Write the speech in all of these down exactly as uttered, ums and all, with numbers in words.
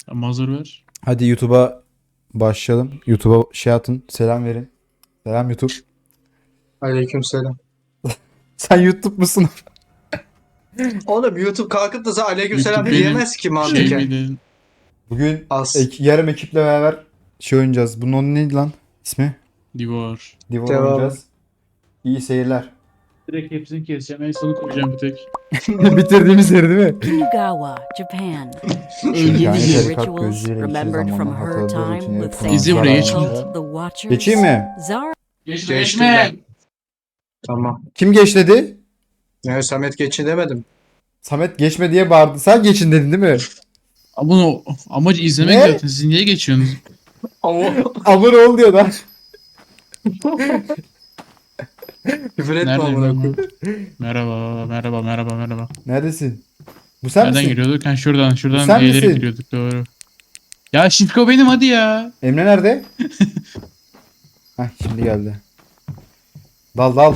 Mazur ver. Hadi YouTube'a başlayalım. YouTube'a şey atın. Selam verin. Selam YouTube. Aleykümselam. Sen YouTube musun? Oğlum YouTube kalkıp da sana aleykümselam YouTube benim diyemez ki şey mantıken. miydi? Bugün Az. ek- yarım ekiple beraber şey oynayacağız. Bunun onun neydi lan? İsmi? Divar. Divor Devamı. oynayacağız. İyi seyirler. Direkt hepsini keseceğim. En sonu koyacağım bir tek. Bitirdiğimiz yer değil mi? Kinugawa, Japan. Öldüğümüz Yani yer. tarikat Rituals gözleriyle iki remembered from zamanla her hatırladığı time için with hep İzle buraya, geç. cult, the Watchers, Geçeyim mi? Zara Geçme Geçtim geçme. Tamam. Kim geç dedi? Ya Samet geçin demedim. Samet geçme diye bağırdı. Sen geçin dedin değil mi? Ama bunu amacı izlemek Ne? zaten. Siz niye geçiyorsunuz? Ama Abone ol diyor da. küfür etme Nerede amına ben? koyayım. Merhaba, merhaba, merhaba, merhaba. Neredesin? Bu sen Nereden misin? giriyorduk? Ha şuradan, şuradan Sen eğilerek misin? giriyorduk doğru. Ya Şifko benim hadi ya. Emre nerede? Heh şimdi geldi. Dal dal.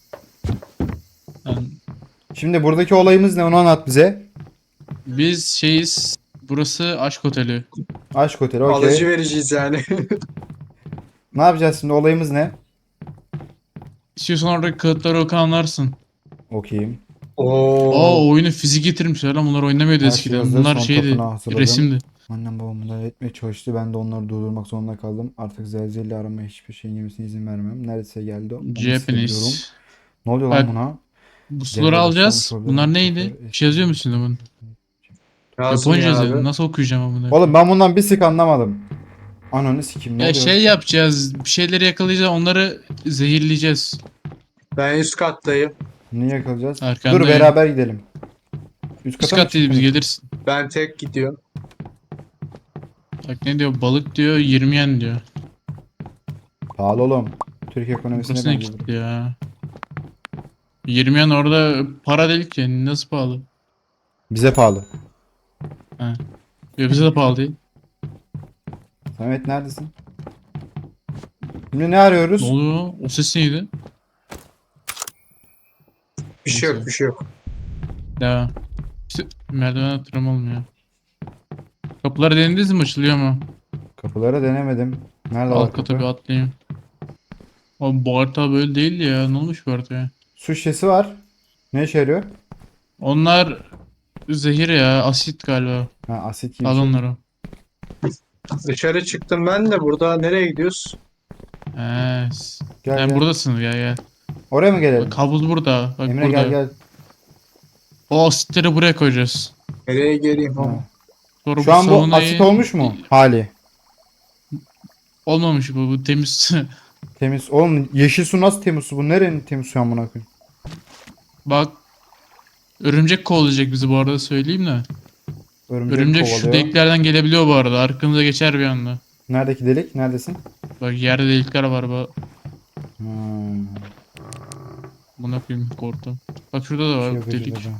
Yani Şimdi buradaki olayımız ne onu anlat bize. biz şeyiz. Burası aşk oteli. Aşk oteli Alıcı okey. vereceğiz yani. Ne yapacağız şimdi olayımız ne? İstiyorsan oradaki kağıtları oku anlarsın. Okuyayım. Oo Oo. oyunu fizik getirmişler lan bunlar oynamıyordu Her şey eskiden. hazır, Bunlar son şeydi, tapınağı hazırladım. resimdi. Annem babam müdahale etmeye çalıştı. Ben de onları durdurmak zorunda kaldım. Artık zelzele aramaya hiçbir şeyin yemesine izin vermem. Neredeyse geldi. Onu hissediyorum. Japanese. Ne oluyor lan Bak, buna? Bu Cemre suları alacağız. başlamış olabilir. Bunlar neydi? Bir şey yazıyor musun bunun? Yazsın Japonca ya yazıyor. abi. Nasıl okuyacağım ama bunu? Oğlum ben bundan bir sik anlamadım. Ananı sikeyim ne Ya oluyor? şey yapacağız. Bir şeyleri yakalayacağız. Onları zehirleyeceğiz. Ben üst kattayım. Niye yakalayacağız? Arkandayım. Dur beraber gidelim. Üst Üst kata mı kat değil biz çıktınız? gelirsin. Ben tek gidiyorum. Bak ne diyor? Balık diyor. yirmi yen diyor. Pahalı oğlum. Türk ekonomisine Burası ne benziyor. gitti ya? yirmi yen orada para değil ki. Nasıl pahalı? Bize pahalı. Ya bize de pahalı değil. Samet neredesin? Şimdi ne Ne arıyoruz? oluyor? O ses neydi? Bir şey yok Neyse. bir şey yok. Ya. İşte merdiven atırım olmuyor. Kapıları denediniz mi? Açılıyor mu? Kapıları denemedim. Nerede var Alt kata bir kapı? atlayayım. Abi bu harita böyle değildi ya. Ne olmuş bu haritaya? Su şişesi var. Ne işe yarıyor? Onlar zehir ya. Asit galiba. Ha asit gibi Al bir şey. onları. Dışarı çıktım ben de burada nereye gidiyoruz? He. Gel Sen gel. buradasın gel gel. Oraya mı gelelim? Bak kabul burada. Bak Emre burada. gel gel. O asitleri buraya koyacağız. Nereye geleyim Ha. ama? Sonra Şu an bu saunayı- asit olmuş mu? Hali. Olmamış bu. Bu temiz. Temiz. Oğlum yeşil su nasıl temiz su? Bu nerenin temiz su amına koyayım? Bak. Örümcek kovalayacak bizi bu arada söyleyeyim de. Örümcek, Örümcek şu kovalıyor. deliklerden gelebiliyor bu arada. Arkamıza geçer bir anda. Neredeki delik? Neredesin? Bak yerde delikler var. Bak. Hmm. Buna koyayım korktum. Bak şurada da var Şey yok delik. acaba.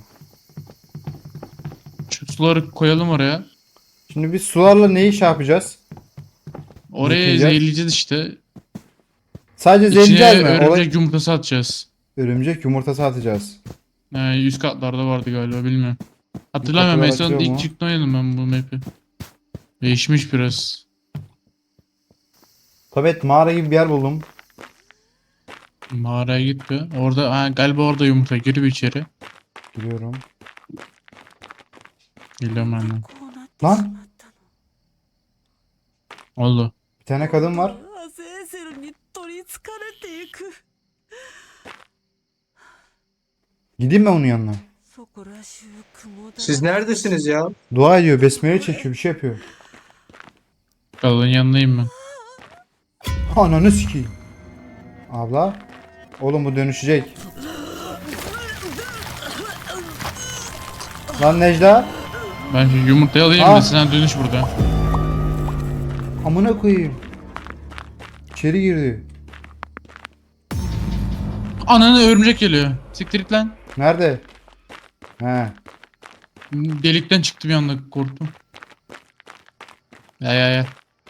Şu suları koyalım oraya. Şimdi biz sularla neyi şey yapacağız? Oraya Yıkayacağız. zehirleyeceğiz işte. Sadece İçine zehirleyeceğiz mi? örümcek Olay... yumurtası atacağız. Örümcek yumurtası atacağız. Ee, üst katlarda vardı galiba bilmiyorum. Hatırlamıyorum en Yukarıda son atıyor mu? ilk çıktı oynadım ben bu map'i. Değişmiş biraz. Tabii mağara gibi bir yer buldum. Mağaraya git be. Orada ha, galiba orada yumurta gir bir içeri. Giriyorum. Geliyorum ben de. Lan Oldu. bir tane kadın var. アゼーゼルに取りつかれていく Gideyim mi onun yanına? そこら中雲だ Siz neredesiniz ya? Dua ediyor, besmele çekiyor, bir şey yapıyor. Kadının yanındayım ben. Ananı sikeyim. Abla. Oğlum bu dönüşecek. Lan Necla. Ben şu yumurtayı alayım Ah. da sen dönüş burada. Amına koyayım. İçeri girdi. Ananı örümcek geliyor. Siktir git lan. Nerede? He. Delikten çıktı bir anda korktum. Ya ya ya.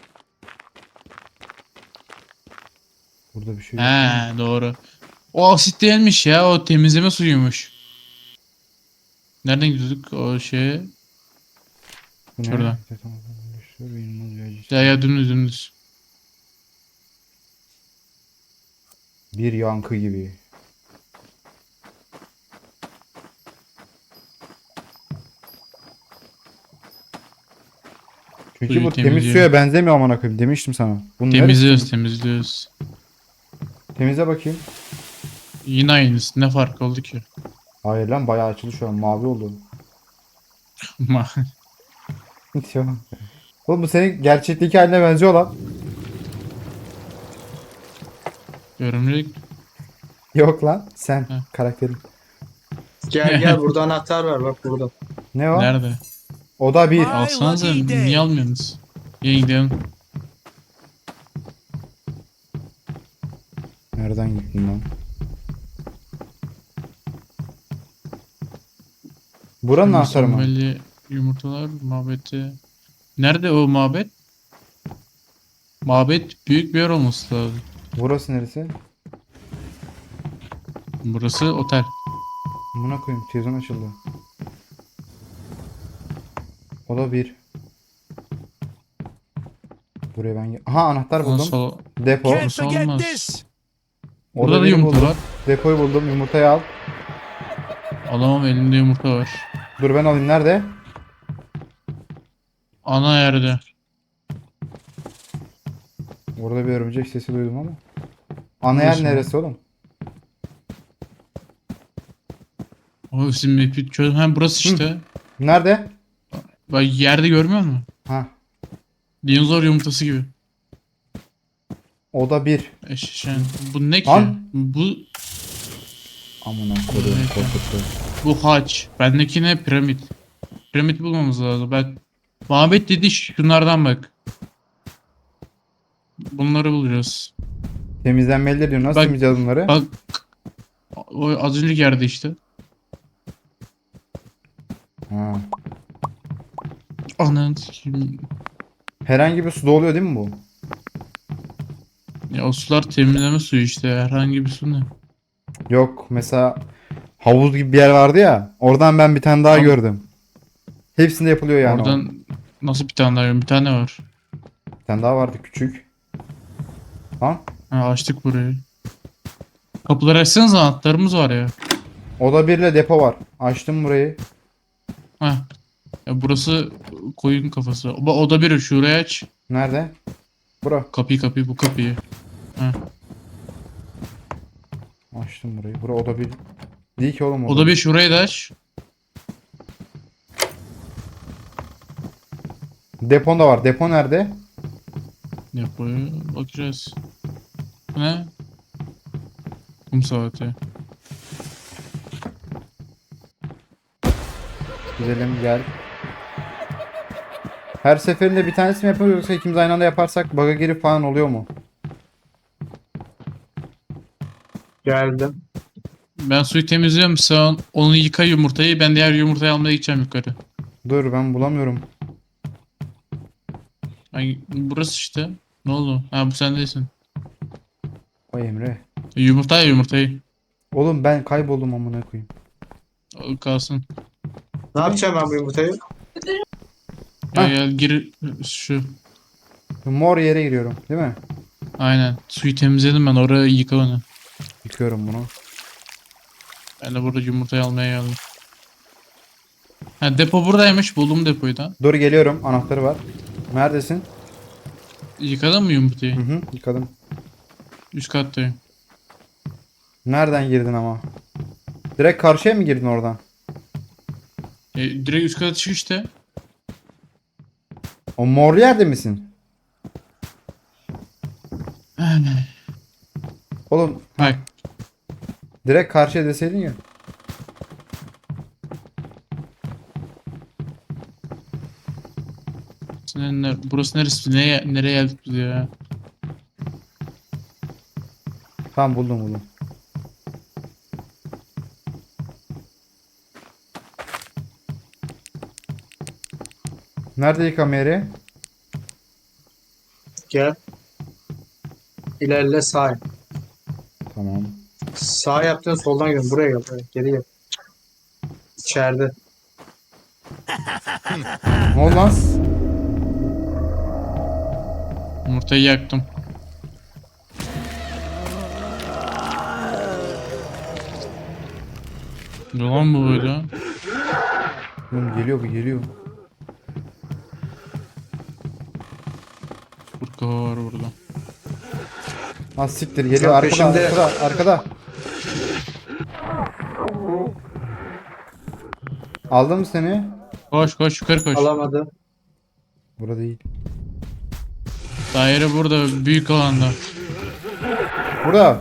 Burada bir şey yok. He doğru. O asit değilmiş ya o temizleme suyuymuş. Nereden gidiyorduk o şeye? Bu ne? Şuradan. Şurada inanılmaz yayıcı. Ya ya dümdüz dümdüz. Bir yankı gibi. Çünkü Suyu bu temiz temizliyor. suya benzemiyor amına koyayım demiştim sana. Bunun Temizliyoruz neresi? temizliyoruz. Temizle bakayım. Yine aynısı. Ne fark oldu ki? Hayır lan bayağı açıldı şu an mavi oldu. Ma- Tamam. Oğlum bu senin gerçekteki haline benziyor lan. Örümcek. Yok lan sen Heh. karakterin. Gel gel burada anahtar var bak burada. Ne o? Nerede? O da bir. Alsanıza niye almıyorsunuz? İyi gidelim. Nereden gittin lan? Buranın anahtarı mı? Mükemmeli yumurtalar mabeti. Nerede o mabet? Mabet büyük bir yer olması lazım. Burası neresi? Burası otel. Buna koyayım televizyon açıldı. O da bir. Buraya ben... Aha anahtar buldum. Nasıl? Depo. Burası olmaz. O Burada da biri yumurta buldum. var. Depoyu buldum. Yumurtayı al. Alamam elimde yumurta var. Dur ben alayım. Nerede? Ana yerde. Orada bir örümcek sesi duydum ama. Ana yer Burası mı? neresi oğlum? O sizin map'i çöz. Ha burası işte. Nerede? Bak yerde görmüyor musun? Ha. Dinozor yumurtası gibi. O da bir. Eşeşen. Bu ne ki? Lan. Bu Amına koyayım Evet. korkuttu. bu haç. Bendeki ne? Piramit. Piramit bulmamız lazım. Bak. Mabet dedi şunlardan bak. Bunları bulacağız. Temizlenmelidir diyor. Nasıl Bak- temizleyeceğiz bunları? Bak. O az önceki yerde işte. Ha. Ananı sikeyim. Herhangi bir suda oluyor değil mi bu? Ya o sular temizleme suyu işte. Herhangi bir su ne? Yok mesela havuz gibi bir yer vardı ya. Oradan ben bir tane daha Abi- gördüm. Hepsinde yapılıyor yani. o. Oradan nasıl bir tane daha? Bir tane var. Bir tane daha vardı küçük. Ha? Ha, açtık burayı. Kapıları açsanıza anahtarımız var ya. Oda bir ile depo var. Açtım burayı. Ha. Ya burası koyun kafası. O, o da biri şuraya aç. Nerede? Bura. Kapıyı kapıyı bu kapıyı. Ha. Açtım burayı. Bura oda bir. Değil ki oğlum O da bir şurayı da aç. Depon da var. Depo nerede? Yapıyor. Bakacağız. Bu ne? Kum saati. Gidelim gel. Her seferinde bir tanesi mi yapıyoruz yoksa ikimiz aynı anda yaparsak bug'a girip falan oluyor mu? Geldim. Ben suyu temizliyorum. Sen onu yıka yumurtayı. Ben diğer yumurtayı almaya gideceğim yukarı. Dur ben bulamıyorum. Ay, burası işte. Ne oldu? Ha bu sen değilsin. O Emre. E, Yumurta ya yumurtayı. Oğlum ben kayboldum amına koyayım. O kalsın. Ne yapacağım ben bu yumurtayı? Gel Hah. gel gir şu. Mor yere giriyorum değil mi? Aynen. Suyu temizledim ben. Orayı yıka onu. Yıkıyorum bunu. Ben de burada yumurtayı almaya geldim. Ha depo buradaymış. Buldum depoyu da. Dur geliyorum. Anahtarı var. Neredesin? Yıkadın mı yumurtayı? Hı hı yıkadım. Üst kattayım. Nereden girdin ama? Direkt karşıya mı girdin oradan? E, direkt üst kata çık işte. O mor yerde misin? Oğlum Bak. direkt karşıya deseydin ya. Senin ne- burası neresi? Nereye, nereye geldik biz ya? Tamam buldum buldum. Nerede yıkama yeri? Gel. İlerle sağ. yap. Tamam. Sağ yaptın soldan gel. Buraya gel. Buraya. Geri gel. İçeride. Ne oldu lan? Yumurtayı yaktım. Ne lan bu böyle? Oğlum geliyor bu geliyor. Kurt kafa var burada. Ha siktir geliyor Lan arkada peşimde. arkada arkada. Aldım mı seni? Koş koş yukarı koş. Alamadı. Burada değil. Daire burada büyük alanda. Burada.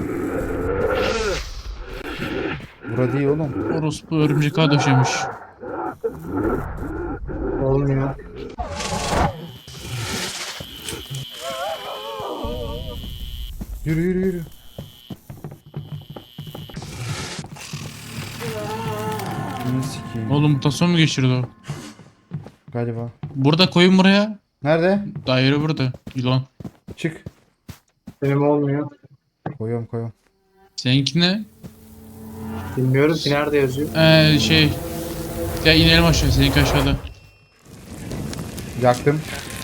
Burada değil oğlum. Orospu örümcek ağa döşemiş. Olmuyor. Yürü yürü yürü. Bunu sikeyim. Oğlum mutasyon mu geçirdi o? Galiba. Burada koyun buraya. Nerede? Daire burada. Yılan. Çık. Benim olmuyor. Koyuyorum koyuyorum. Seninki ne? Bilmiyorum ki nerede yazıyor. Ee şey. Ya inelim aşağı. Seninki aşağıda. Yaktım.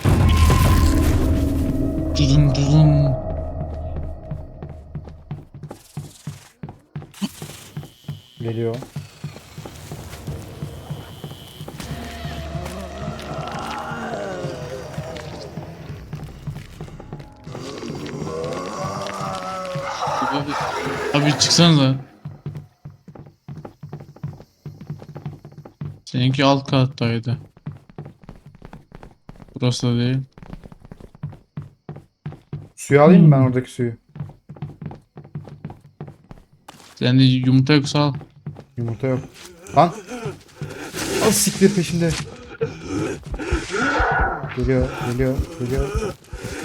Dudum dudum. Geliyor. Abi, abi çıksanıza. Seninki alt kattaydı. Burası da değil. Suyu alayım mı ben Hmm. oradaki suyu? Sende yumurta yoksa al. Yumurta yok. Lan. Al siktir peşinde. Geliyor, geliyor, geliyor.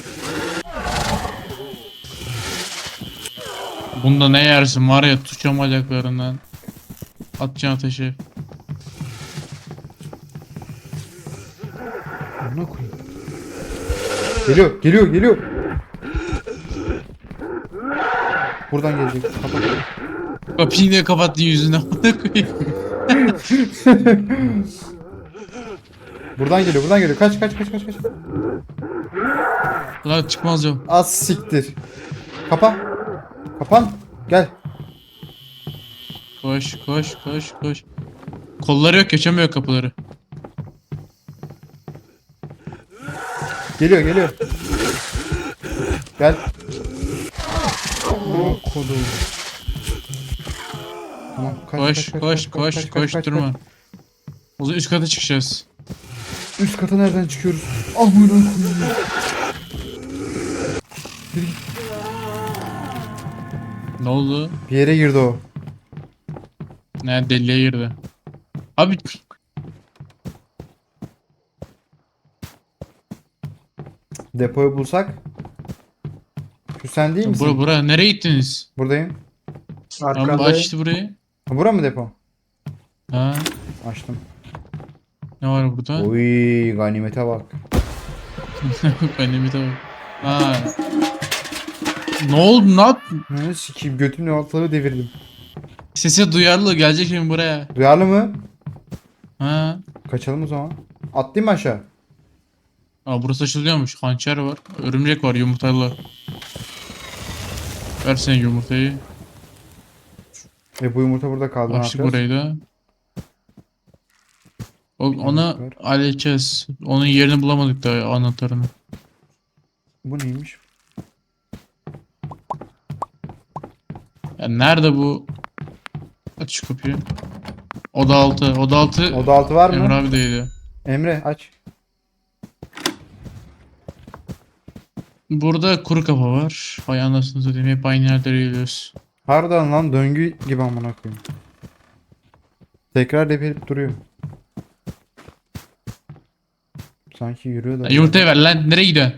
Bunda ne yersin var ya tutacağım bacaklarından. Atacaksın ateşe. Amına koyayım. Geliyor, geliyor, geliyor. Buradan gelecek. Kapat. Kapıyı niye kapattın yüzüne? Amına koyayım. Buradan geliyor, buradan geliyor. Kaç, kaç, kaç, kaç, kaç. Lan çıkmaz yok. Az siktir. Kapa. Kapan. Gel. Koş koş koş koş. Kolları yok geçemiyor kapıları. Geliyor, geliyor. Gel. Amına kodum. Tamam, kaç, Koş kaç, kaç, koş kaç, koş kaç, kaç, koş kaç, durma. kaç. O zaman üst kata çıkacağız. Üst kata nereden çıkıyoruz? Amına koyayım. Yürü git. Ne oldu? Bir yere girdi o. Ne deliğe girdi. Abi Depoyu bulsak. Şu sen değil misin? bura bura nereye gittiniz? Buradayım. Tamam Arkada. aç işte burayı. Ha, bura mı depo? Ha Açtım. ne var burada? Oy ganimete bak. Benim bir de bak. Ha. Ne oldu ne yap? Ne sikeyim götümle ortalığı devirdim. Sesi duyarlı gelecek şimdi buraya. Duyarlı mı? Ha. Kaçalım o zaman. Atlayayım mı aşağı? Aa burası açılıyormuş. Hançer var. Örümcek var yumurtalı. Ver sen yumurtayı. Ve bu yumurta burada kaldı. Ne Açtık yapacağız? burayı da. O, onu var. halledeceğiz. Onun yerini bulamadık daha anahtarını. Bu neymiş? Ya nerede bu? Aç şu kapıyı. Oda altı. Oda altı. Oda altı var mı? Emre abi deydi. Emre aç. Burada kuru kafa var. Hay anasını satayım. Hep aynı yerlere geliyoruz. Harbiden lan döngü gibi amına koyayım. Tekrar depelip duruyor. Sanki yürüyor da. Ya yumurtayı ver lan. Nereye gidiyorsun?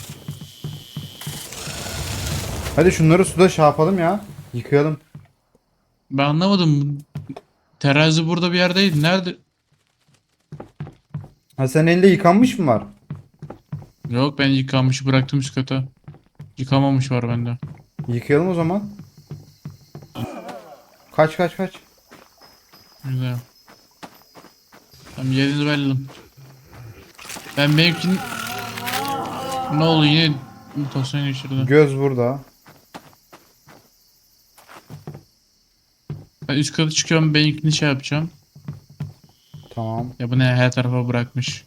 Hadi şunları suda şey yapalım ya. Yıkayalım. Ben anlamadım. Terazi burada bir yerdeydi. Nerede? Ha sen elinde yıkanmış mı var? Yok ben yıkanmış bıraktım üst kata. Yıkamamış var bende. Yıkayalım o zaman. Kaç kaç kaç. Güzel. Tamam yerinizi belirledim. Ben benimkin... Ne oldu yine mutasyon geçirdi. Göz burada. Ben üst kata çıkıyorum benimkini şey yapacağım. Tamam. Ya bu ne her tarafa bırakmış.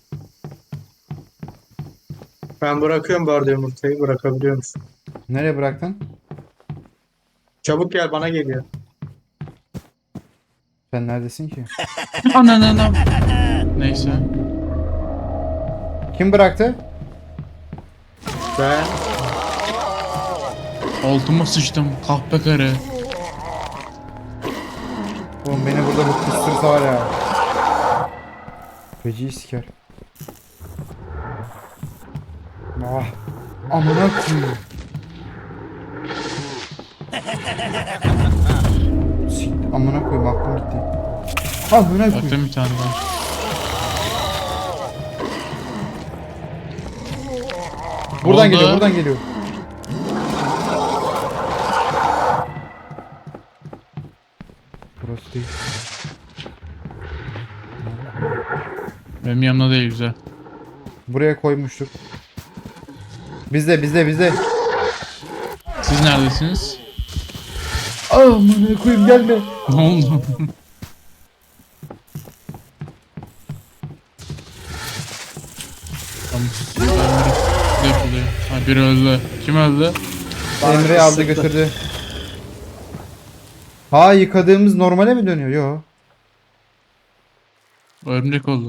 Ben bırakıyorum bu arada yumurtayı. Bırakabiliyor musun? Nereye bıraktın? Çabuk gel bana geliyor. Sen neredesin ki? Anan anam. Neyse. Kim bıraktı? Ben Altıma sıçtım kahpe karı. Oğlum beni burada bu kıstırsa var ya. Feci siker. Ah. Amına koyayım. Siktir. Amına koyayım aklım gitti. Amına koyayım. Baktım bir tane daha. Buradan Oldu. geliyor, buradan geliyor. Burası değil. Benim yanımda değil güzel. Buraya koymuştuk. Bizde, bizde, bizde. Siz neredesiniz? Amına koyayım gelme. Ne oldu? Tamam. Ne yapılıyor? Ha biri öldü. Kim öldü? Emre aldı götürdü. Ha yıkadığımız normale mi dönüyor? Yo. Örümcek oldu.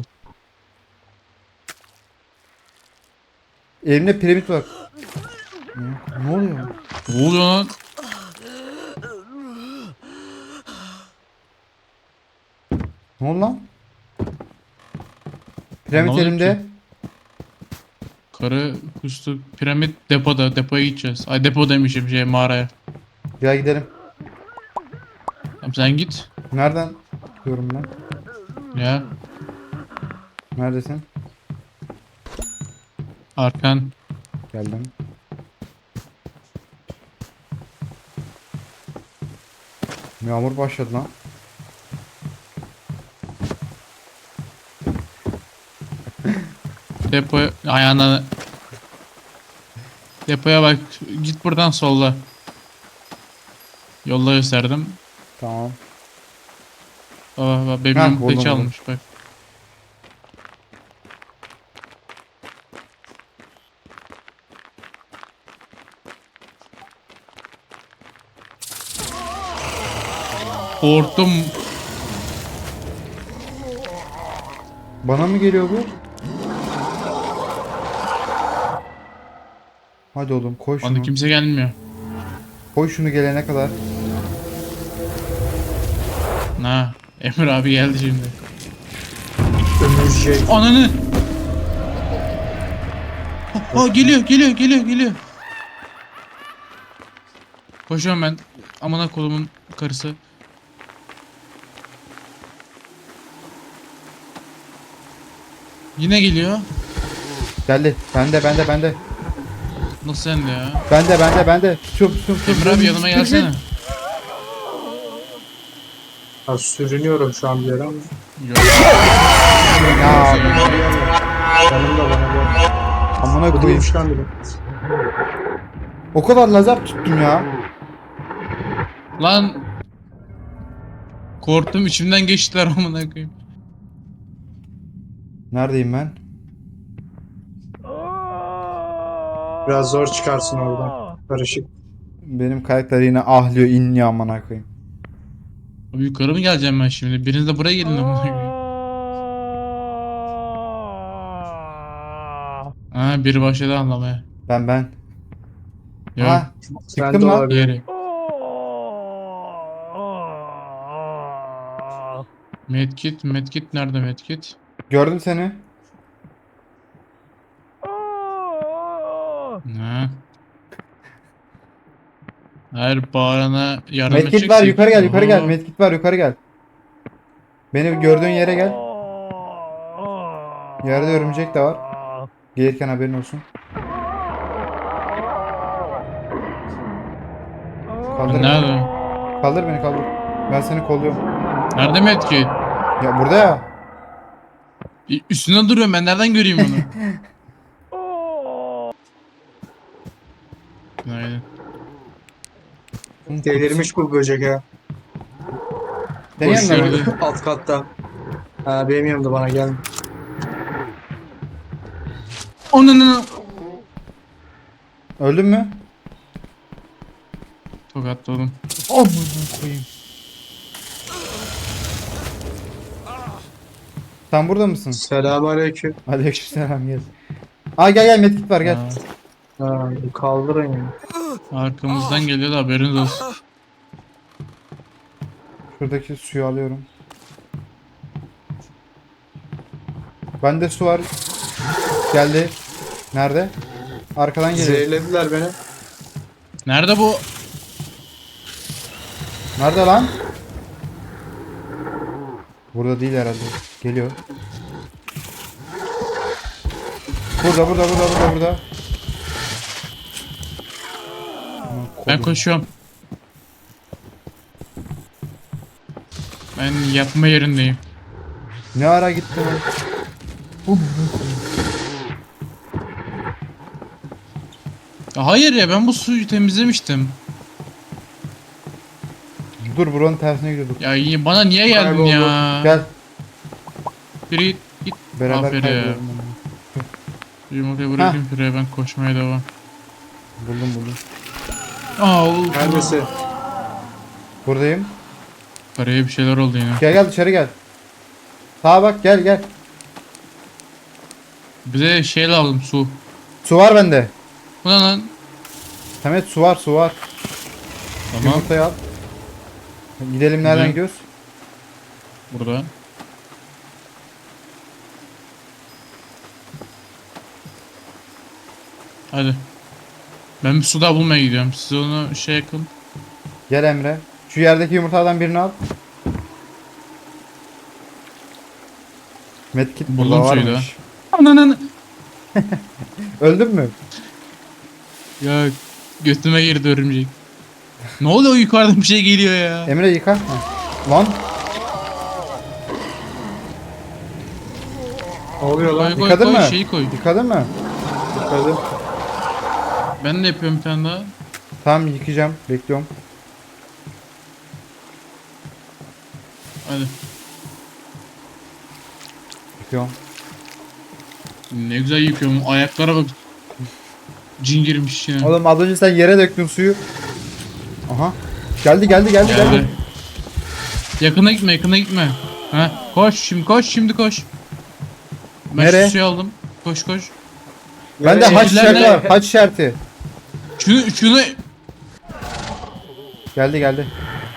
Elimde piramit var. Ne, ne oluyor? Ne oluyor lan? Ne oldu lan? Piramit Anlamadım elimde. ki. Karı kustu. Piramit depoda. Depoya gideceğiz. Ay depo demişim şey mağaraya. Gel gidelim. Tamam sen git. Nereden diyorum ben? Ya Neredesin? arkan. Geldim. Yağmur başladı lan. Depoya ayağına. Depoya bak. Git buradan solla. Yolda gösterdim. Tamam. Baba baba benim Heh, yumurtayı buldum, çalmış bak. Korktum. Bana mı geliyor bu? Hadi oğlum koy şunu. Bana kimse gelmiyor. Koy şunu gelene kadar. Ha, Emir abi geldi şimdi. ömürcek. Ananı. Aa geliyor, geliyor, geliyor, geliyor. Koşuyorum ben. Amına kolumun karısı. Yine geliyor. Geldi. Bende bende bende. Nasıl sende ya? Bende bende bende. Tutuyorum tutuyorum tutuyorum. Emir abi yanıma gelsene. Ha, sürünüyorum şu an bir yere ama. Yok. Ya Canım da bana gel. amına Bu koyayım. değilmiş lan bile. O kadar lazer tuttum ya. Lan. Korktum içimden geçtiler amına koyayım. Neredeyim ben? Biraz zor çıkarsın oradan. Karışık. Benim karakter yine ahlıyor inliyor amına koyayım. Abi yukarı mı geleceğim ben şimdi? Biriniz de buraya gelin amına koyayım. Ha biri başladı anlamaya. Ben ben. Yok. Ha Sen çıktım de lan. olabilir. Yeri. Medkit, medkit nerede medkit? Gördüm seni. Ha. Her bağırana yardım Medkit edeceksin. var yukarı gel yukarı gel. Oho. Medkit var yukarı gel. Beni gördüğün yere gel. Yerde örümcek de var. Gelirken haberin olsun. Kaldır beni. Nerede? Kaldır beni kaldır. Ben seni kolluyorum. Nerede medkit? Ya burada ya. Ü- Üstüne duruyorum, ben nereden göreyim bunu? Günaydın. Delirmiş bu böcek ya. Senin Boş yanında mı? gördü. Alt katta. Ha, benim yanımda bana gel. Onun Öldün mü? tokatladım. Amına koyayım. Sen burada mısın? Selamünaleyküm. Aleykümselam gel. Aa gel gel medkit var gel. Ha, Ha, kaldırın ya. arkamızdan geliyor da haberiniz olsun. Şuradaki suyu alıyorum. Bende su var. Geldi. Nerede? Arkadan geliyor. Zehirlediler beni. Nerede bu? Nerede lan? Burada değil herhalde. Geliyor. Burada burada burada burada burada. Aman Ben kodum. koşuyorum. Ben yatma yerindeyim. Ne ara gitti lan? Ya hayır ya, ben bu suyu temizlemiştim. Dur buranın tersine gidiyorduk. Ya y- bana niye geldin Kayboldu. ya? Gel Biri git. git. beraber Aferin ya. kaybolalım. Yumurtayı bırakayım şuraya, ben koşmaya devam. Buldum buldum. Aa, o- Neredesin? Buradayım. Karaya bir şeyler oldu yine. Gel gel dışarı gel. Sağa bak gel gel. Bize şey lazım, su. Su var bende. Bu ne lan? Samet su var su var. Tamam, Yumurtayı al. Gidelim nereden Güzel. gidiyoruz? burada. Hadi. Ben bir su daha bulmaya gidiyorum. Siz onu şey yakın. Gel Emre. Şu yerdeki yumurtalardan birini al. Medkit burada Buldum suyu da. varmış. Ananı. Öldün mü? Ya götüme girdi örümcek. Ne oluyor, yukarıdan bir şey geliyor ya. Emre yıka. Heh. Lan Ne oluyor Koy lan? koy yıkadın koy, mı? şeyi koy. Yıkadın mı? Yıkadım. Ben de yapıyorum bir tane daha. Tamam yıkayacağım. Bekliyorum. Hadi. Yıkıyorum. Ne güzel yıkıyorum. Ayaklara bak. Cin girmiş içine. Oğlum az önce sen yere döktün suyu. Aha. Geldi geldi geldi geldi. Geldi. Yakına gitme, yakına gitme. Ha, koş şimdi, koş şimdi, koş. Ben Nereye? şu suyu aldım. Koş koş. Bende haç Şehirler işareti ne? var. Haç işareti. Şunu şunu Geldi geldi.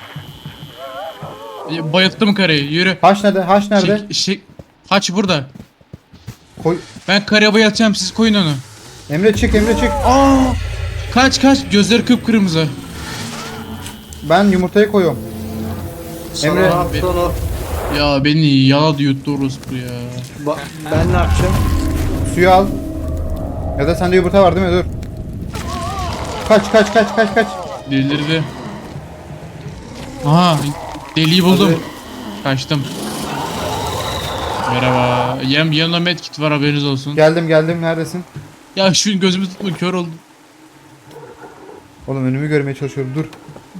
bayılttım karıyı. Yürü. Haç nerede? Haç nerede? Şey, şey, haç burada. Koy. Ben karıya bayıltacağım, siz koyun onu. Emre çık Emre çık. Aa! Kaç kaç, gözleri kıpkırmızı. Ben yumurtayı koyuyorum. Sana Emre- ne yaptın o? Ya beni yaladı yuttu orospu ya. Ba- ben ne yapacağım? Suyu al. Ya da sende yumurta var değil mi? Dur. Kaç kaç kaç kaç kaç. Delirdi. Aha, deliği buldum. Kaçtım. Merhaba. Yem yanımda medkit var, haberiniz olsun. Geldim geldim. Neredesin? Ya şu gözümü tutma, kör oldum. Oğlum önümü görmeye çalışıyorum. Dur.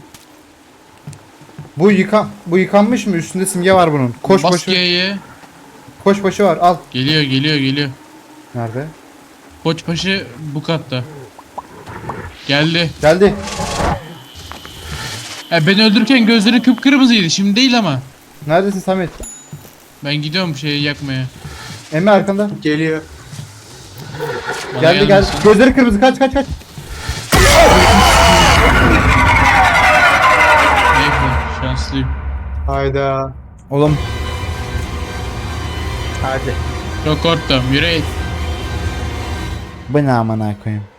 Bu yıkan bu yıkanmış mı? Üstünde simge var bunun. Koş Bas başı. G'ye. Koş başı var. Al. Geliyor geliyor geliyor. Nerede? Koçbaşı bu katta. Geldi. Geldi. Ya beni öldürürken gözleri kıpkırmızıydı. Şimdi değil ama. Neredesin Samet? Ben gidiyorum şeyi yakmaya. Emre arkanda. Geliyor. Bana Geldi geldi. gelmesin. Gözleri kırmızı. Kaç kaç kaç. Neyse, şanslıyım. Hayda. Oğlum. Hadi. Çok korktum. Yürü. Bu ne amına koyayım.